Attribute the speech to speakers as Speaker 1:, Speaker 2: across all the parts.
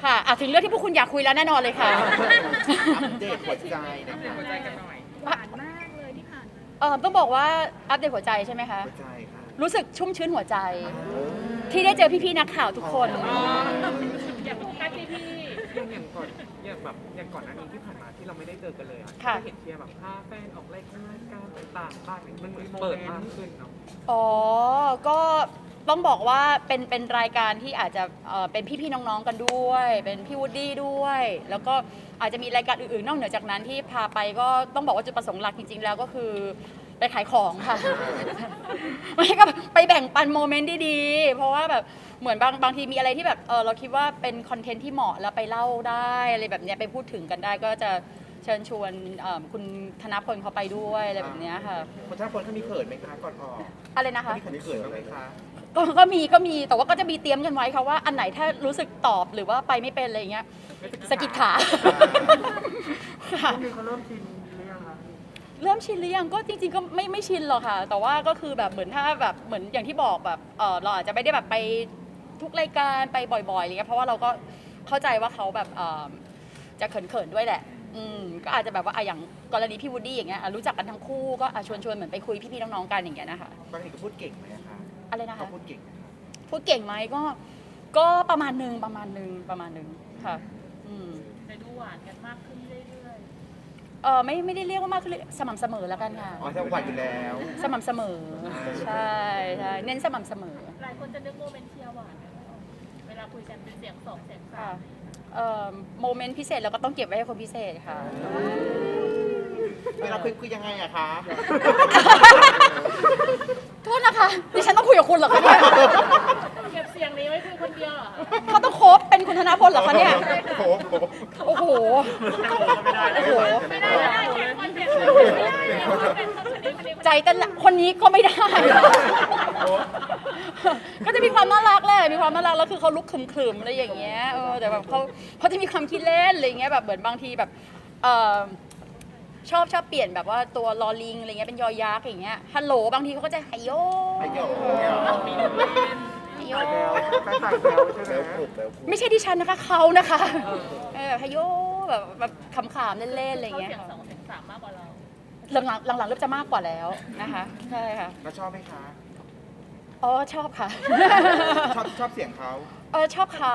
Speaker 1: ค่ะถึงเรื่องที่พวกคุณอยากคุยแล้วแน่นอนเลยค่ะ
Speaker 2: อัปเดตหัวใจนะคะ
Speaker 3: หัวใจกันหน่อย
Speaker 4: หวานมากเลยที่ผ่านมา
Speaker 1: ต้องบอกว่าอัปเดตหัวใจใช่ไหมคะ
Speaker 2: หัวใจค่ะ
Speaker 1: รู้สึกชุ่มชื้นหัวใจ ที่ได้เจอพี่ๆนักข่าวทุกคน
Speaker 3: อยากโฟกัสที่พี่อย่างก่อนอย่างก่อนหน้านี้ที่ผ่านมาที่เราไม่ได้เจอกันเลยอ่ะ
Speaker 1: ค่ะ
Speaker 3: ก็เห็นเชียร์แบบพาแฟนออกรายการต่างๆบ้างมันเปิดมากขึ้นเนาะ
Speaker 1: ก็ต้องบอกว่าเป็นรายการที่อาจจะเป็นพี่ๆน้องๆกันด้วย เป็นพี่วูดดี้ด้วย แล้วก็อาจจะมีรายการอื่นๆนอกเหนือจากนั้นที่พาไปก็ต้องบอกว่าจุดประสงค์หลักจริงๆแล้วก็คือไปขายของค่ะ ไม่ก็ไปแบ่งปันโมเมนต์ดีๆเพราะว่าแบบเหมือนบางทีมีอะไรที่แบบเราคิดว่าเป็นคอนเทนต์ที่เหมาะแล้วไปเล่าได้อะไรแบบเนี้ยไปพูดถึงกันได้ก็จะเชิญชวนคุณธนพลเขาไปด้วยอะไรแบบเนี้ยค่ะ
Speaker 2: คนท่าคนเขามีเขินไหมคะก่อนออก
Speaker 1: อะไรนะคะ
Speaker 2: มีคนเขินบ้างไหมคะ
Speaker 1: ก็มีแต่ว่าก็จะมีเตรียมกันไว้ค่ะว่าอันไหนถ้ารู้สึกตอบหรือว่าไปไม่เป็นอะไรอย่างเงี้ยสะกิดขาค่ะ
Speaker 3: พวกนี้เขาเริ่มชินหรือยังคะ
Speaker 1: เริ่มชินหรือยังก็จริงๆก็ไม่ชินหรอกค่ะ แต่ว่าก็คือแบบเหมือนถ้าแบบเหมือนอย่างที่บอกแบบเราอาจจะไม่ได้แบบไปทุกรายการไปบ่อยๆอะไรเงี้ยเพราะว่าเราก็เข้าใจว่าเขาแบบจะเขินๆด้วยแหละก็อาจจะแบบว่าอย่างกรณีพี่วูดดี้อย่างเงี้ยรู้จักกันทั้งคู่ก็ชวนเหมือนไปคุยพี่ๆน้องๆกันอย่างเงี้ยนะคะ
Speaker 2: บางทีก็พูดเก่งไหมคะ
Speaker 1: อะไรนะคะ
Speaker 2: เขาพูดเก่งไหมคะ
Speaker 1: พูดเก่งไหมก็ประมาณนึงค่ะ
Speaker 4: แต่ดูหวานกันมากขึ้นเรื่อย
Speaker 1: ไม่ได้เรียกว่ามากขึ้นสม่ำเสมอแล้วกันค่ะ
Speaker 2: อ๋อจะหวัดอยู่แล้ว
Speaker 1: สม่ำเสมอใช่เน้นสม่ำเสมอ
Speaker 4: ๆหลายคนจะนึกโมเมนต์เชียร์หวานกันไม่ออกเวลาคุยกันเป็นเสียงสองเสียงสา
Speaker 1: ค่ะ
Speaker 4: ม
Speaker 1: โมเมนต์พิเศษเราก็ต้องเก็บไว้ให้คนพิเศษค่ะ
Speaker 2: เวลาคุยยังไงอะคะ
Speaker 1: โทษนะคะดิฉันต้องคุยกับคุณเหรอคะเนี่ย
Speaker 4: เก็บเสียงนี้ไว้คุยคนเดียวเหรอ
Speaker 1: เขาต้องโคบเป็นคุณธนพลเหรอคะเนี่ย
Speaker 2: โอ้โห
Speaker 1: โอ้โห โอ้โห
Speaker 4: ไม่ได้แข่งคนเดียวเป็นคนเดียว
Speaker 1: ใจเต้นละคนนี้ก็ไม่ได้ ก็จะมีความน่ารักแหละมีความน่ารักแล้วคือเขาลุกขรึมๆอะไรอย่างเงี้ยแต่แบบเขาจะมีความคิดเล่นอะไรเงี้ยแบบเหมือนบางทีแบบชอบเปลี่ยนแบบว่าตัวลอลิงอะไรเงี้ยเป็นยอยักษ์อย่างเงี้ยฮัลโหลบางทีเขาก็จะไฮโย
Speaker 2: ไฮโย
Speaker 1: ไฮโย
Speaker 3: ใส่แซวใช่ไหม
Speaker 2: แล้วปลุกแล้วปลุก
Speaker 1: ไม่ใช่ดิฉันนะคะเขานะคะไฮโยแบบขำๆเล่นๆอะไร
Speaker 4: เขา
Speaker 1: เงี้ย
Speaker 4: เสียงสองเสียงสามมากกว่าเรา
Speaker 1: หลังๆเริ่มจะมากกว่าแล้วนะคะใช่ค่ะ
Speaker 2: แล้วชอบไหมคะ
Speaker 1: ชอบค่ะ
Speaker 2: ชอบเสียงเขา
Speaker 1: ชอบเขา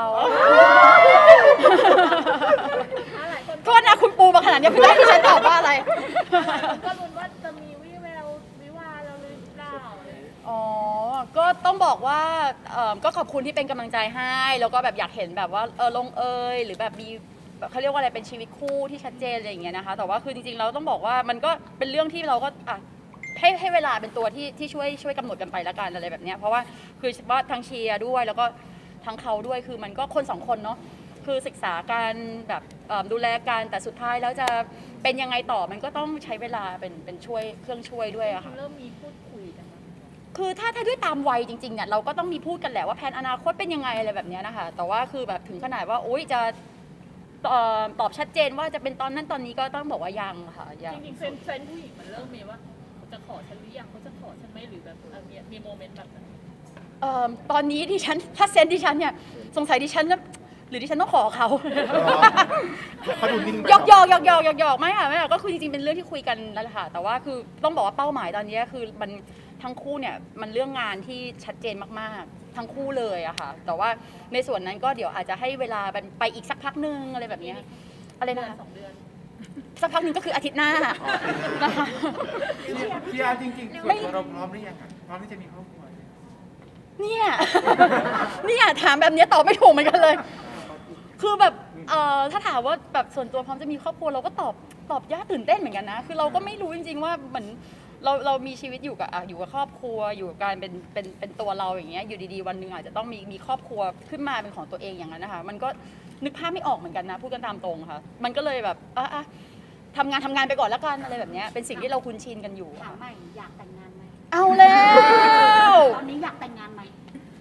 Speaker 4: หลายคน
Speaker 1: โทษนะคุณปูมาขนาดนี้คุณได้ที่ฉันตอบว่าอะไร
Speaker 4: ก็ลุ้นว่าจะมีวิแวววิวาเราหรือเปล่า
Speaker 1: ก็ต้องบอกว่าก็ขอบคุณที่เป็นกำลังใจให้แล้วก็แบบอยากเห็นแบบว่าลงเอยหรือแบบมีเขาเรียกว่าอะไรเป็นชีวิตคู่ที่ชัดเจนอะไรอย่างเงี้ยนะคะแต่ว่าคือจริงๆเราต้องบอกว่ามันก็เป็นเรื่องที่เราก็ให้เวลาเป็นตัวที่ช่วยกำหนดกันไปละกันอะไรแบบเนี้ยเพราะว่าคือว่าทั้งเชียร์ด้วยแล้วก็ทั้งเขาด้วยคือมันก็คนสองคนเนาะคือศึกษาการแบบดูแลกันแต่สุดท้ายแล้วจะเป็นยังไงต่อมันก็ต้องใช้เวลาเป็นช่วยเครื่องช่วยด้วยอะค่ะ
Speaker 4: เริ่มมีพูดคุยกันไหม
Speaker 1: คือถ้าด้วยตามวัยจริงๆเนี่ยเราก็ต้องมีพูดกันแหละว่าแผนอนาคตเป็นยังไงอะไรแบบเนี้ยนะคะแต่ว่าคือแบบถึงขนาดว่าโอ๊ยจะตอบชัดเจนว่าจะเป็นตอนนั้นตอนนี้ก็ต้องบอกว่ายังค่ะยัง
Speaker 4: จริงๆเซนผู้หญิงมันเริ่มมีว่าเขาจะขอฉันหรือยังเขาจะขอฉันไหมหรือแบบมีโมเมนต์แบบนั้น
Speaker 1: ตอนนี้ดิฉันถ้าเซนดิฉันเนี่ยสงสัยดิฉันจะหรือดิฉันต้องขอเขา
Speaker 2: เขาดูนิ่งไป
Speaker 1: หยอกไม่ค่ะก็คือจริงๆเป็นเรื่องที่คุยกันแล้วแหละค่ะแต่ว่าคือต้องบอกว่าเป้าหมายตอนนี้คือมันทั้งคู่เนี่ยมันเรื่องงานที่ชัดเจนมากๆทั้งคู่เลยอะค่ะแต่ว่าในส่วนนั้นก็เดี๋ยวอาจจะให้เวลาไปอีกสักพักนึงอะไรแบบเนี้ยอะไรนะคะ
Speaker 4: 2 เดือน
Speaker 1: สักพักนึงก็คืออาทิตย์หน้านะคะ
Speaker 3: พี่อาร์จริงๆส่วนตัวเราพร้อมหรือยังอะพร้อมที่จะมีครอบครัว
Speaker 1: เนี่ย ถามแบบเนี้ยตอบไม่ถูกเหมือนกันเลย คือแบบถ้าถามว่าแบบส่วนตัวพร้อมจะมีครอบครัวเราก็ตอบยากตื่นเต้นเหมือนกันนะคือเราก็ไม่รู้จริงๆว่าเหมือนเรามีชีวิตอยู่กับครอบครัวอยู่กับการเป็นตัวเราอย่างเงี้ยอยู่ดีๆวันหนึ่งอาจจะต้องมีครอบครัวขึ้นมาเป็นของตัวเองอย่างนั้นนะคะมันก็นึกภาพไม่ออกเหมือนกันนะพูดกันตามตรงค่ะมันก็เลยแบบทำงานไปก่อนแล้วกันอะไรแบบเนี้ยเป็นสิ่งที่เราคุ้นชินกันอยู่
Speaker 5: ถามใหม่อยากแต่งงานไหม
Speaker 1: เอาแล้ว
Speaker 5: ตอนนี้อยากแต่งงานไหม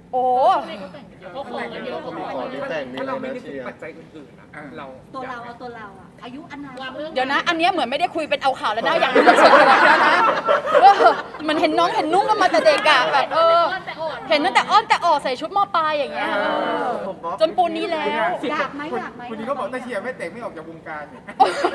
Speaker 1: โอ้
Speaker 4: ช่วงนี้เขาแต่งกันเยอะเขาขอกันเยอะ
Speaker 5: เขามีขอที่แต่งมี
Speaker 3: ถ้า
Speaker 5: อะไร
Speaker 3: เราไม่
Speaker 5: นะ
Speaker 3: ได้
Speaker 5: เชี
Speaker 3: ถึง
Speaker 5: ยร์
Speaker 3: ปัจจัยอื่นๆอะเรา
Speaker 6: ตัวเราเอาตัวเราอะอายุอานาม
Speaker 4: วางเรื่อง
Speaker 1: เดี๋ยวนะ อันเนี้ยเหมือนไม่ได้คุยเป็นเอาข่าวแล้วนะอยากรู้เรื่องส่วนตัวแล้วนะว่ามันเห็นน้องเห็นนุ่งกันมาแต่เด็กอะแบบ
Speaker 4: แต่อ่อน
Speaker 1: เห็นตั้งแต่อ้อนแต่ออกใส่ชุดมอปลายอย่างเงี้ยจนปูนนี้แล้ว
Speaker 6: อยากไหมอยากไหม
Speaker 7: คนนี้เขาบอกถ้าเชียร์ไม่แต่งไม่ออกจากวงการเนี่ย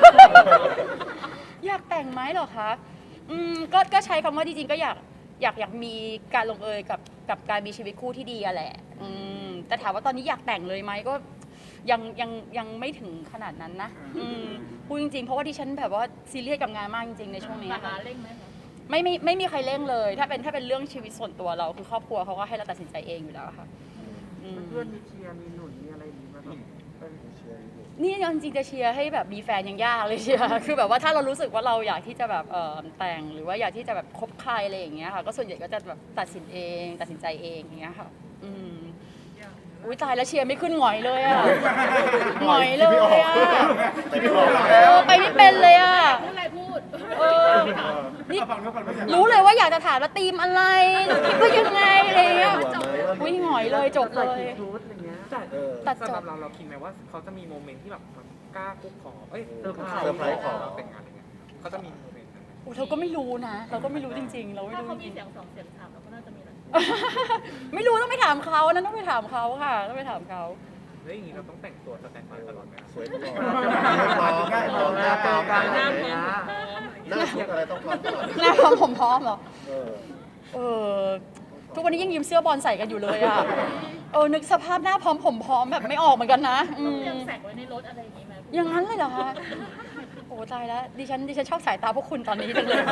Speaker 1: อยากแต่งไหมเหรอคะก็ใช้คำว่าจริงๆก็อยากมีการลงเอยกับการมีชีวิตคู่ที่ดีอะแหละแต่ถามว่าตอนนี้อยากแต่งเลยไหมก็ยังไม่ถึงขนาดนั้นนะพูดจริงๆเพราะว่าดิฉันแบบว่าซีเรียสกับงานมากจริงๆในช่วงนี้
Speaker 4: รา
Speaker 1: ค่ะ
Speaker 4: คาเร่งไหมคะ
Speaker 1: ไม่มีใครเร่งเลย ถ้าเป็นเรื่องชีวิตส่วนตัวเราคือครอบครัวเขาก็ให้เราตัดสินใจเองอยู่แล้วค่ะอืม
Speaker 3: เพื่อนมีเชียร์มีหนุนมีอะไรอย่างนี้มาแบบ
Speaker 1: นี่จริงๆจะเชียร์ให้แบบมีแฟนยังยากเลยเชียร์ คือแบบว่าถ้าเรารู้สึกว่าเราอยากที่จะแบบแต่งหรือว่าอยากที่จะแบบคบใครอะไรอย่างเงี้ยค่ะก็ส่วนใหญ่ก็จะแบบตัดสินใจเองอย่างเงี้ยค่ะอุ้ยตายแล้วเชียร์ไม่ขึ้นหงอยเลยอ่ะหงอยเลยอ่ะ
Speaker 5: แต่ไม่บอก
Speaker 1: ไปไม่เป็นเลยอ่ะ
Speaker 4: พูดอะไรพูด
Speaker 1: นี่
Speaker 7: ฟังแล้วก่อนว่าอย่าง
Speaker 1: รู้เลยว่าอยากจะถามว่าธีมอะไรคิดว่ายังไงอะไรอย่างเงี้ยอุ้ยหงอยเลยจบเลย
Speaker 3: ชุดอย่างเงี้ยแต่
Speaker 1: ตัดจ
Speaker 3: สำห
Speaker 1: บ
Speaker 3: รับเราคิดไหมว่าเขาจะมีโมเมนต์ที่แบบมันกล้าคุกขอเซอร์ไพร
Speaker 5: เซอร์ไพรส์ขอ
Speaker 3: เราแต่งงานอะไรเงี้ยเขาจะมีโมเมนต์นั้นไหม
Speaker 1: เราก็ไม่รู้นะ เราก็ไม่รู้จริงๆ เราไม่
Speaker 4: ถ้า
Speaker 1: รู้
Speaker 4: เขา
Speaker 1: จ
Speaker 4: มี
Speaker 1: ริง
Speaker 4: เสียงสองเสียงสามเราก็น่าจะมีนะ
Speaker 1: ๆ ไม่รู้ต้องไปถามเขานะต้องไปถามเขาค่ะต้องไปถามเขา
Speaker 3: แล้วอย่างนี้เราต้องแต่งตัวสแตนด์บายตลอดไหม
Speaker 5: สวยตลอดพร้อมหน้าพร้อม
Speaker 4: หน้า
Speaker 5: ห
Speaker 4: พร้อม
Speaker 5: น้าทุกอะไรต้องพร้อมตลอด
Speaker 1: หน้าพร้อมผมพร้อมเหรอ
Speaker 5: เออ
Speaker 1: เออทุกวันนี้ยังยืมเสื้อบอลใส่กันอยู่เลยอ่ะนึกสภาพหน้าพร้อมผมพร้อมแบบไม่ออกเหมือนกันนะ
Speaker 4: ต้องเตรียมแสกไว้ในรถอะไรอย่างนี้ไหม
Speaker 1: อย่างนั้นเลยเหรอคะโอ้ตายแล้วดิฉันชอบสายตาพวกคุณตอนนี้จังเลย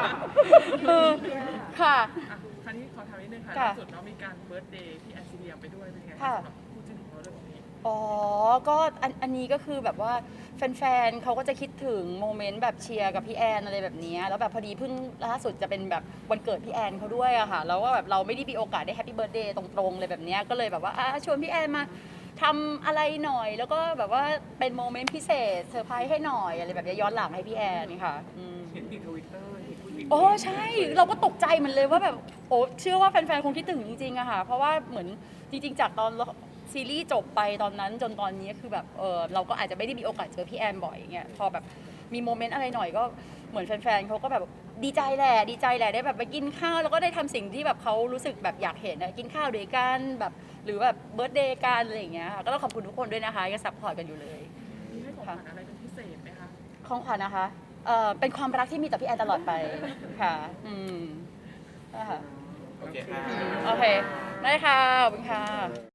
Speaker 1: ค่ะ
Speaker 8: คราวนี้ขอถามนิดนึงค่ะ
Speaker 1: ค่ะ
Speaker 8: ล่าสุดเนาะมีการเบิร์ธเดย์ที่แอนซิเลียไปด้วยเป็นไง
Speaker 1: ค่ะ
Speaker 8: สำหรับคู่จิ้นของเราเรื่องนี้
Speaker 1: อ๋อ ก็อันนี้ก็คือแบบว่าแฟนๆเขาก็จะคิดถึงโมเมนต์แบบเชียร์กับพี่แอนอะไรแบบนี้แล้วแบบพอดีเพิ่งล่าสุดจะเป็นแบบวันเกิดพี่แอนเขาด้วยอะค่ะแล้วก็แบบเราไม่ได้มีโอกาสได้แฮปปี้เบิร์ธเดย์ตรงๆเลยแบบนี้ก็เลยแบบว่าชวนพี่แอนมาทำอะไรหน่อย แล้วก็แบบว่าเป็นโมเมนต์พิเศษเซอร์ไพรส์ให้หน่อยอะไรแบบนี้ย้อนหลังให้พี่แอนนี่ค่ะ
Speaker 3: เห็นในทวิตเตอร์เห็นผู้หญิง
Speaker 1: โอ้ใช่เราก็ตกใจเหมือนเลยว่าแบบโอ้เชื่อว่าแฟนๆคงคิดถึงจริงๆอะค่ะเพราะว่าเหมือนจริงๆจากตอนซีรีส์จบไปตอนนั้นจนตอนนี้คือแบบเราก็อาจจะไม่ได้มีโอกาสเจอพี่แอนบ่อยอย่างเงี้ยพอแบบมีโมเมนต์อะไรหน่อยก็เหมือนแฟนๆเขาก็แบบดีใจแหละได้แบบไปกินข้าวแล้วก็ได้ทำสิ่งที่แบบเขารู้สึกแบบอยากเห็นกินข้าวด้วยกันแบบหรือแบบเบิร์ธเดย์กันอะไรอย่างเงี้ยค่ะก็ต้องขอบคุณทุกคนด้วยนะคะยังซัพพอร์ตกันอยู่เลย
Speaker 8: มีให้ของขวัญอะไรเป็นพิเศษไหมคะ
Speaker 1: ของขวัญนะคะเป็นความรักที่มีต่อพี่แอนตลอดไปค่ะนะคะ
Speaker 2: โอเคค่ะ
Speaker 1: โอเค ได้ค่ะ ขอบคุณค่ะ